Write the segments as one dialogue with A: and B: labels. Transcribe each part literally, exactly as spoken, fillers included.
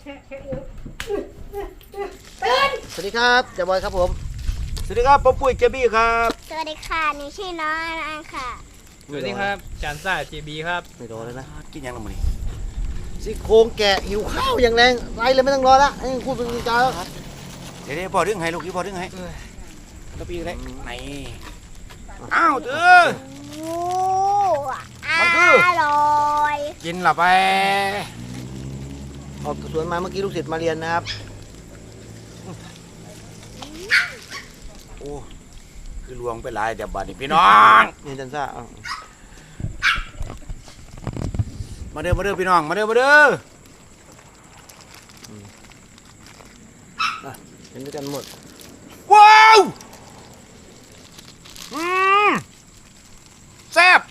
A: สวัสดีครับเจ้าบอยครับผม
B: สวัสดีครับป๊อปปุ้ยเจบี้ครับ
C: สวัสดีค่ะหนูชื่อน้องอันค่ะ
D: สวัสดีครับจานซ่าจีบีครับ
A: ไม่รอเลยนะ
B: กินยังละมื้อนี้
A: ซี่โครงแกะหิวข้าวอย่างแรงไปเลยไม่ต้องรอละไอ้พูดเป็นจริงจังแล้ว
B: เดี๋ยวๆพอดึงให้ลูกที่พอดึงให้แล้วปีกได้ไหนอ้าวเด้อ
C: โอ้
B: มันคือ
C: อร่อย
B: กินละไป
A: ออกสวนมาเมื่อกี้ลูกศิษย์มาเรียนนะครับ
B: โอ้คือลวงไปหลายเดี๋ยวบัดนี้พี่น้อง
A: นี่จันซ่า
B: มาเด้อมาเด้อพี่น้องมาเด้อมาเด้อ
A: เห็นด้วยกันหมด
B: ว้าวอืมแซ่บ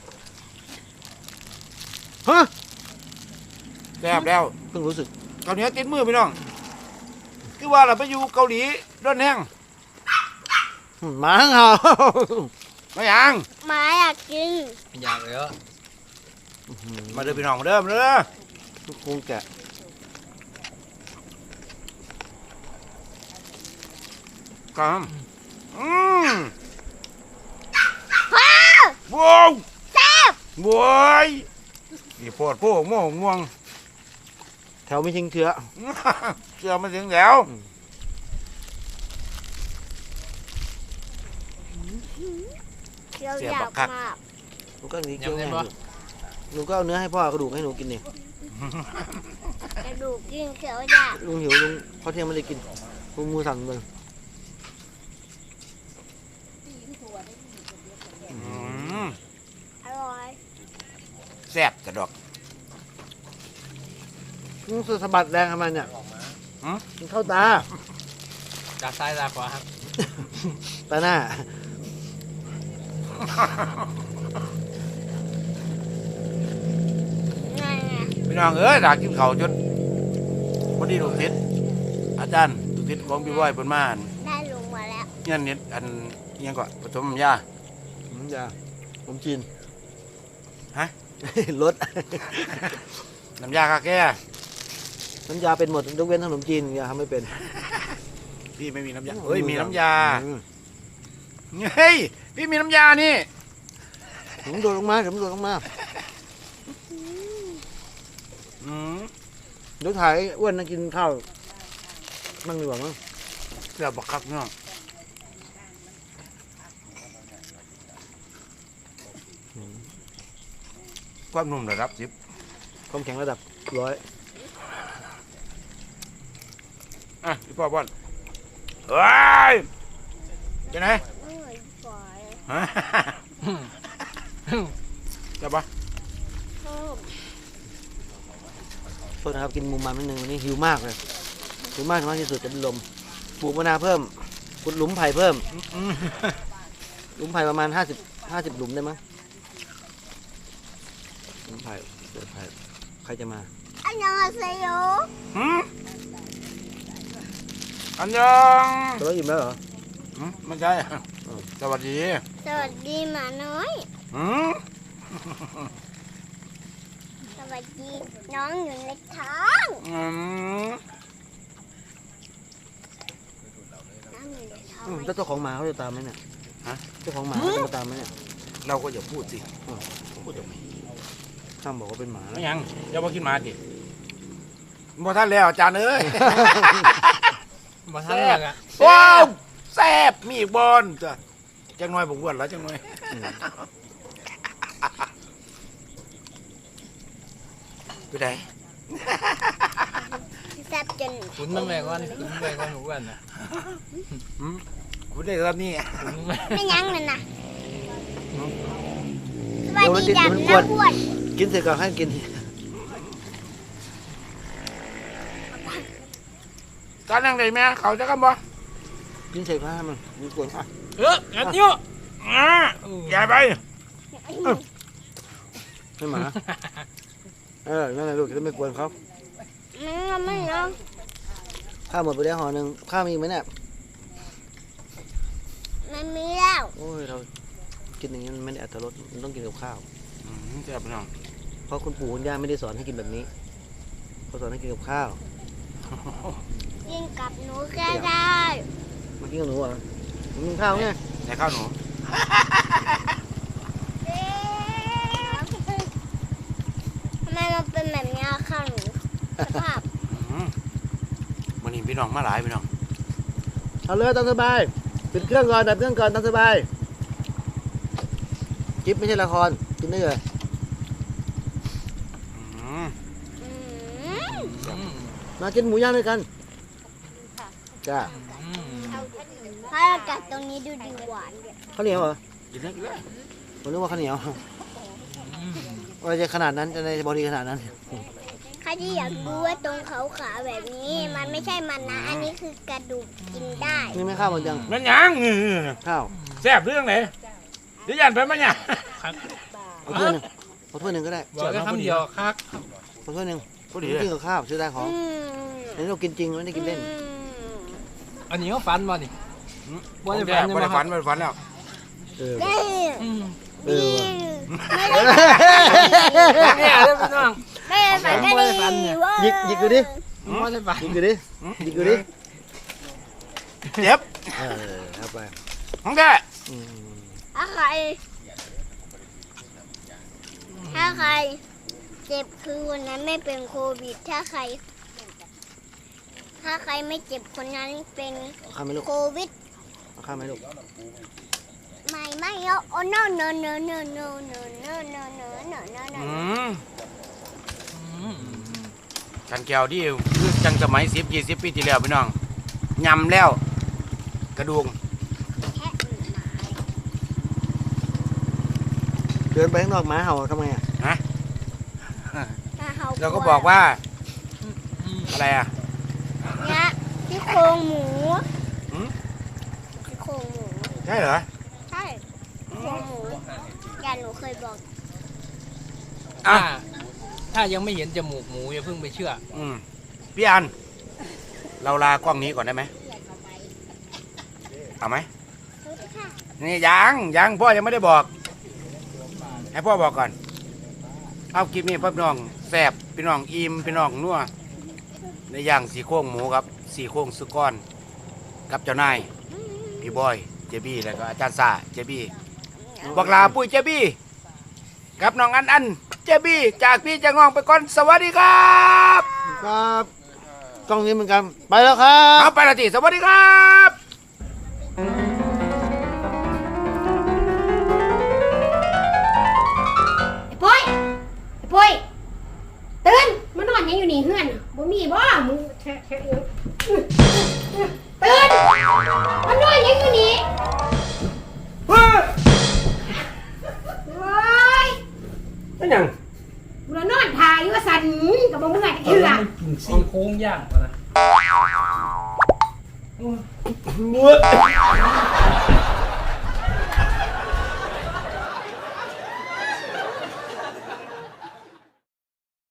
A: ฮะ
B: แซ่บแล้ว
A: เพิ่งรู้สึก
B: เกาหลีติดมือพี่น้องคือว่าเราไปอยู่เกาหลีร้อนแห้ง
A: หมาเห่า
B: ไม่ยัง
C: หมาอยากกิน
D: อยากเลยเหรอ
B: มาเด้อพี่น้องมาเด้อมาเด้อ
A: ซี่โครงแกะ
B: ครับอืม
C: ว้าว
B: ว้าว
C: แซ่บ
B: ว้ายนี่ปวดพวกม่วงม่วง
A: แถวไม่ทิ้งเชื้อ
B: เชื่อมาถึงแล้ว
C: เคี้ยวยาวมาก
A: หนูก็หนีเคี้ยวง่ายหนูก็เอาเนื้อให้พ่อกระดูกให้หนูกินนี่
C: กระดูกกินเคี้ยวยาก
A: ลุงหิวลุงพอเที่ยงไม่ได้กินลุงมือสั่นเลย
C: อร่อย
B: แซ่บกระดอก
A: ลุงสะบัดแรงทำไมเนี่ยมันเข้าตา
D: จากซ้ายตาขวาครับ
A: ตาหน้า
B: พี่น้องเอ้ยอยากกินข้าวจนพอดีลูกศิษย์อาจารย์ลูกศิษย์ของพี่บอยเพิ่นมา
C: ได้ลงมาแล้ว
B: เงี้ยนิดอันเงี้ยก็ผสมยา
A: น้ำยาผมจีน
B: ฮะ
A: รส
B: น้ำยาคาแก่
A: น้ำยาเป็นหมดยกเว้นขนมจีนอย่าทำไม่เป็น
B: พี่ไม่มีน้ำยาเฮ้ยมีน้ำยาเฮ้ยพี่มีน้ำยานี่
A: ผมโดดลงมาผมโดดลงมาเดี๋ยวถ่ายอ้วนนั่งกินข้าวนั่งดีกว่ามั้ง
B: เดี๋ยวบักคักเนาะความนุ่มระดับสิบ
A: ความแข็งระดับร้อย
B: อ่ะพี่พ่อบอลเฮ้ยเป็นไงจับปะ
A: โทษนะครับกินมุมมันนิดนึงวันนี้หิวมากเลยหิวมากมากที่สุดจะเป็นลมปลูกมะนาวเพิ่มขุดหลุมไผ่เพิ่มหลุมไผ่ประมาณห้าสิบห้าสิบหลุมได้มั้งหลุมไผ่เกิดไผ่ใครจะมา
C: อันยังอาเซโย
B: อันยัง
A: ตัวอิ่มแล้วเหรอ
B: ไม่ใช่สวัสดี
C: สวัสดีหมาน้อยสวัสดีน้องอยู่ในท้องน้องอยู่ในท้อง
A: แล้วเจ้าของหมาเขาจะตามไหมเนี่ยฮะเจ้าของหมาเขาจะตามไหมเนี่ย
B: เราก็อย่าพูดสิพูดทำไม
A: ข้ามบอกว่าเป็นหมา
B: ไม่ยังอย่ามากินหมาดิบ่ท่านแล้วอาจารย์เอ้ย
D: บ่ท่านแล้วอ่ะ
B: ว้าวแซ่บมีบอลจ้ะจังน้อยผมอ้วนแล้วจังน้อยไปไหน
C: แซ่บจน
D: คุณมึงแม่ก่อนคุณแม่ก่อนหนูกันนะ
B: คุณได้ครับนี่
C: ไม่ยั้งเลยนะสวัสดีจ้ะน้ำอ้วน
A: กินเสร็จก็ให้กิน
B: การนั่งไหนแม่เขาจะกันบ่
A: กินเสร็จก็ให้มันมีกวนอ่ะ
D: เอออันนี้
B: อ่ะใหญ่ไป
A: ให้หมาเออนั่นแหละลูกจะไม่กวนเขา
C: ไม่ไม่เอา
A: ข้าวหมดไปแล้วห่อหนึ่งข้าวมีไหมเนี่ย
C: ไม่มีแล้ว
A: โอ้ยเรากินอย่างนี้มันไม่ได้อัตรสมันต้องกินกับข้าว
B: แซ่บไปหน่อย
A: เพราะคุณปู่คุณย่าไม่ได้สอนให้กินแบบนี้เขาสอนให้กินกับข้าว
C: กินกับหนูก็ได้
A: มากินกับหนูเหรอมึงกินข้าวไง
B: ไหนข้าวหนู
C: ทำไมมันเป็นแบบนี้อะค่ะหนูสภาพ
B: อืมวันนี้พี่น้องมาหลายพี่น้อง
A: เอาเลยตามสบายปิดเครื่องก่อนดับเครื่องก่อนตามสบายจิ๊บไม่ใช่ละครกินได้เลย
B: อืม
C: อืม
D: อืม
A: มากินหมูย่างด้วยกันจ้า
D: อืม
C: ถ้าเรากัดตรงนี้ดูดีหวาน
A: ข้าวเหนียวเหรอ
B: กินได้กินได้
A: ผมนึกว่าข้าวเหนียว
D: อืม
A: ว่าจะขนาดนั้นจะในบอดี้ขนาดนั้น
C: ใครที่อยากรู้ว่าตรงเขาขาแบบนี้ มันไม่ใช่มันนะ อันนี้คือกระดูกกินได้
A: นี่ไม่ข้าวหมดยัง
B: มันยัง
A: ข้าว
B: แซ่บเรื่องไหนเดี๋ยวยันไปมั้ยเนี่ย
D: ครับ
A: เอาถ้วยหนึ่งเอาถ้วยหนึ่งก็ได้
D: บอกได้คำเดียวครับ
A: เอาถ้วยหนึ่ง
B: พอดี
A: กิ
B: เลย
A: นกับข้าวซื้อได้ของ
C: อืม
A: อันนี้เรากินจริงไม่ได้กินเล่น
C: อืม
D: อันนี้เขาฟันมาดิ
B: บ่ได้ฝันบ่ได้ฝันบ่ได้ฝันแล้ว
A: เออ
C: ได้
D: อืม
A: เออว่ะ
C: ไม่ได้
D: เนี่ยเด้อพี่น้อง
C: ไม่ได้ฝันก็ดีเว้
A: หยิกหยิกดูดิ
D: ไม่ได้ฟัน
A: หยิกดูดิหยิกดูดิ
B: เจ็บ
A: เออเอาไป
B: ของแก
A: อืม
C: ถ้าใครถ้าใครเจ็บคือวันนั้นไม่เป็นโควิด ถ้าใคร ถ้าใครไม่เจ็บคนนั้นเป็น
A: เอาข้าวไหมลูก
C: โควิด
A: เอาข้าวไหมลูก
C: ไม่ไม่เอาโอ้ no no no no no no no no no no no no
B: อืม
D: อืม
B: กันแก้วที่คือจังสมัยสิบยี่สิบปีที่แล้วพี่น้องยำแล้ว กระดูก
C: แค่อื่นมา
A: เดินไปข้างนอกหมาเห่าทำไงอ่ะ
C: ถ้าเขา
B: เราก็บอกว่า
D: อืม
B: อะไรอ่ะ
C: เนี่ยที่โครงหมู
B: หืม
C: ที่โครงหมู
B: ใช่เหรอ
C: ใช่โครงหมูยายหนูเคยบอก
B: อ่ะ
D: ถ้าถ้ายังไม่เห็นจมูกหมูอย่าเพิ่งไปเชื่อ
B: อืมพี่อัน เราลากล้องนี้ก่อนได้ไหมเอาไหม
C: รู้ไหมค่ะ
B: นี่ยังยังพ่อยังไม่ได้บอก ให้พ่อบอกก่อน เอาคลิปนี้พ่อพี่น้องแซ่บพี่น้องอิ่มพี่น้องนัวในอย่างสีโครงหมูครับสีโครงสุกรกับเจ้านายพี่บอยเจบี้แล้วก็อาจารย์ซาเจบี้บักลาปุ้ยเจบี้กับน้องอันอันเจบี้จากพี่จะงองไปก่อนสวัสดีครับ
A: ครับกล้องนี้เหมือนกันไปแล้วครั
B: เอา
A: บ
B: ไปละทีสวัสดีครับ
E: ไอ้ปุ้ยไอ้ปุ้ยตื่นมานอนยังอยู่นี่เฮือนน่ะบ่มีบ่มึงแทะแทะเอวตื่นมานอนยังอยู่นี่เฮ้ย
B: เป็นยัง
E: มึงนอนถ่ายอยู่ว่าสั่นกับบ่เมื่อยเถื่อ
D: กินซี่โครงย่างก่อนนะ
A: มือ